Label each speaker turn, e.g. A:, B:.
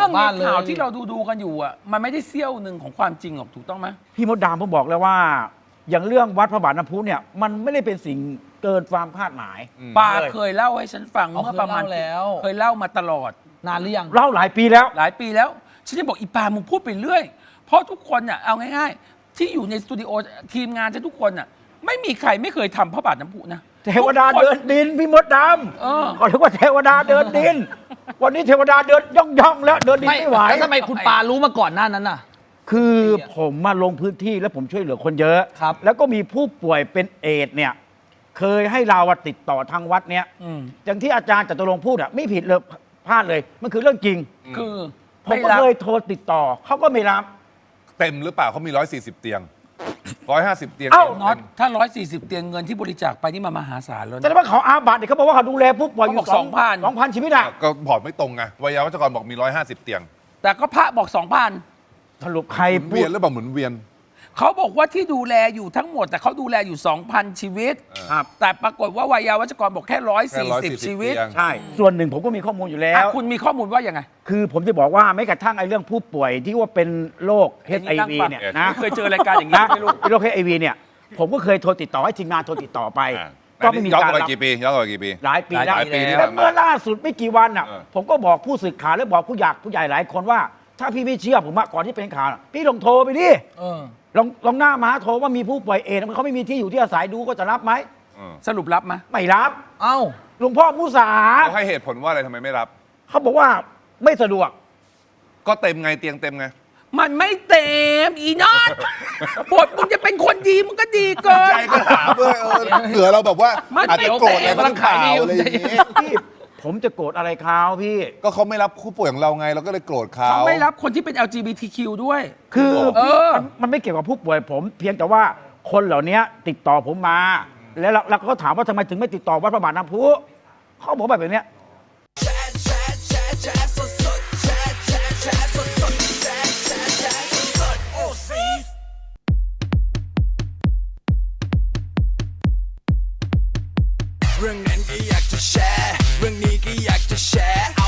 A: รื่องในข่าวที่เราดูกันอยู่อ่ะมันไม่ได้เสี้ยวหนึ่งของความจริงหรอกถูกต้องไหม
B: พี่มดดามผมบอกแล้วว่า อย่างเรื่องวัดพระบาทน้ำพุเนี่ยมันไม่ได้เป็นสิ่งเกินความคาดหมาย
A: ปาเคยเล่าให้ฉันฟังเมื่อประมาณเคยเล่ามาตลอด
C: นานหรือยัง
B: เล่าหลายปีแล้ว
A: หลายปีแล้วฉันจะบอกอีปามึงพูดไปเรื่อยเพราะทุกคนอ่ะเอาง่ายๆที่อยู่ในสตูดิโอทีมงานฉันทุกคนอ่ะไม่มีใครไม่เคยทำพระบาทน้ำพุนะ
B: เทวดาเดินดินพี่มดดำก็เรียกว่าเทวดาเดินดิน วันนี้เทวดาเดินย่องแล้วเดินดินไม่ไหว
C: แล้วทำไมคุณปารู้มาก่อนหน้านั้นน่ะ
B: คือผมมาลงพื้นที่แล้วผมช่วยเหลือคนเยอะ
C: ครับ
B: แล้วก็มีผู้ป่วยเป็นเอดส์เนี่ยเคยให้เราติดต่อทางวัดเนี้ยอย่างที่อาจารย์จตุรงค์พูดไม่ผิดเลยพลาดเลยมันคือเรื่องจริง
A: คือ
B: ผมก็เคยโทรติดต่อเขาก็ไม่รับ
D: เต็มหรือเปล่าเขามี140 เตียง150 เตียง
A: น็อตถ้า140เตียงเงินที่บริจาคไปนี่มหาศาลแล้ว
B: แต่ว่าเขาอาบัติเขาบอกว่าเขาดูแลผู้ป่วยอยู่2,000 ชีวิตอะ
D: ก็บอกไม่ตรงไงวิทยาวัจกรบอกมี150 เตียง
A: แต่ก็พระบอก 2,000
B: สรุปใคร
D: เวียนหรือเปล่าหมุนเวียน
A: เขาบอกว่าที่ดูแลอยู่ทั้งหมดแต่เขาดูแลอยู่ 2,000 ชีวิตแต่ปรากฏว่าวิทยาวัจกรบอกแค่140ชีวิต
B: ใช่ส่วนหนึ่งผมก็มีข้อมูลอยู่แล้ว
A: คุณมีข้อมูลว่ายังไง
B: คือผมจะบอกว่าไม่กระทั่งไอ้เรื่องผู้ป่วยที่ว่าเป็นโรค HIV เนี่ยนะ
A: เคยเจอรายการอย่างนี้ไม่รู้
B: โรค HIV เนี่ยผมก็เคยโทรติดต่อให้ทีมงานโทรติดต่อไป
D: ก็ไม่มีการรับกี่ปีย้อนไปกี่ปี
B: หลายปีแล้วแล้วเมื่อล่าสุดไม่กี่วันอ่ะผมก็บอกผู้สื่อข่าวและบอกผู้ใหญ่หลายคนว่าถ้าพี่ไม่เชื่อผมก่อนที่เป็นข่าวพี่ลองโทรไปดิลองหน้ามาโทรว่ามีผู้ป่วยเอดส์เขาไม่มีที่อยู่ที่อาศัยดูก็จะรับไหม
A: สรุปรับไหม
B: ไม่รับ
C: เอ้า
B: หลวงพ่อมุสา
D: เขาให้เหตุผลว่าอะไรทำไมไม่รับ
B: เขาบอกว่าไม่สะดวก
D: ก็เต็มไงเตียงเต็มไง
A: มันไม่เต็มอีนอตบทมึงจะเป็นคนดีมึงก็ดีเกิน
D: ใจก็ถามด้วยเหลือเราแบบว่าอาจจะโกรธอะไรบางข่าวอะไรอย่างนี้
B: พี่ผมจะโกรธอะไรเขาพี่
D: ก็เขาไม่รับผู้ป่วยของเราไงเราก็เลยโกรธเขา
A: ไม่รับคนที่เป็น LGBTQ ด้วย
B: คือมันไม่เกี่ยวกับผู้ป่วยผมเพียงแต่ว่าคนเหล่านี้ติดต่อผมมาแล้วเขาถามว่าทำไมถึงไม่ติดต่อวัดพระบาทน้ำพุเขาบอกแบบนี้
E: เรื่องนั้นก็อยากจะแชร์เรื่องนี้ก็อยากจะแชร์